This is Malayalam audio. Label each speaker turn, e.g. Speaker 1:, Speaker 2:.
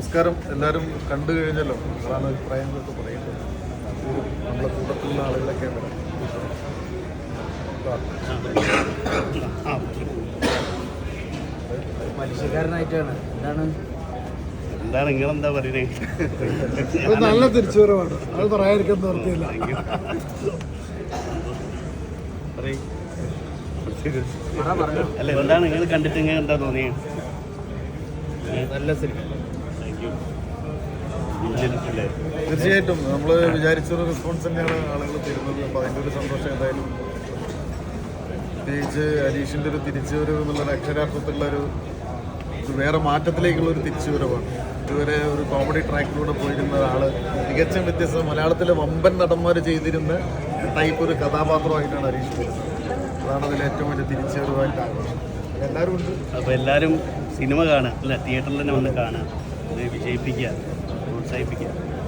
Speaker 1: നമസ്കാരം. എല്ലാവരും കണ്ടു കഴിഞ്ഞല്ലോ, അതാണ് അഭിപ്രായങ്ങളൊക്കെ പറയുന്നത്. നമ്മളെ കൂട്ടത്തിലുള്ള ആളുകളൊക്കെ
Speaker 2: മനുഷ്യക്കാരനായിട്ടാണ്.
Speaker 3: എന്താണ് നിങ്ങളെന്താ പറയുന്നത്?
Speaker 4: നല്ല തിരിച്ചുവരവാണ്, അത് പറയാതിരിക്കാൻ നിർത്തിയില്ല.
Speaker 3: അല്ല, എന്താണ് നിങ്ങൾ കണ്ടിട്ട് ഇങ്ങനെ എന്താ തോന്നിയത്?
Speaker 2: നല്ല സിനിമ.
Speaker 1: തീർച്ചയായിട്ടും നമ്മൾ വിചാരിച്ചൊരു റെസ്പോൺസ് തന്നെയാണ് ആളുകൾ തരുന്നത്. അപ്പോൾ അതിൻ്റെ ഒരു സന്തോഷം എന്തായാലും. പ്രത്യേകിച്ച് അനീഷിൻ്റെ ഒരു തിരിച്ചുവരവ് എന്നുള്ളൊരു അക്ഷരാർത്ഥത്തിലുള്ള ഒരു വേറെ മാറ്റത്തിലേക്കുള്ള ഒരു തിരിച്ചുവരവാണ്. ഇതുവരെ ഒരു കോമഡി ട്രാക്കിലൂടെ പോയിരുന്ന ഒരാൾ തികച്ചും വ്യത്യസ്ത മലയാളത്തിലെ വമ്പൻ നടന്മാർ ചെയ്തിരുന്ന ടൈപ്പ് ഒരു കഥാപാത്രമായിട്ടാണ് അനീഷ് വരുന്നത്. അതാണ് അതിൽ ഏറ്റവും വലിയ തിരിച്ചുവരവായിട്ട് ആഘോഷം. എല്ലാവരും ഉണ്ട്.
Speaker 3: അപ്പോൾ എല്ലാവരും സിനിമ കാണുക, അല്ല തിയേറ്ററിൽ തന്നെ വന്ന് കാണുക, വിജയിപ്പിക്കുക, പ്രോത്സാഹിപ്പിക്കുക.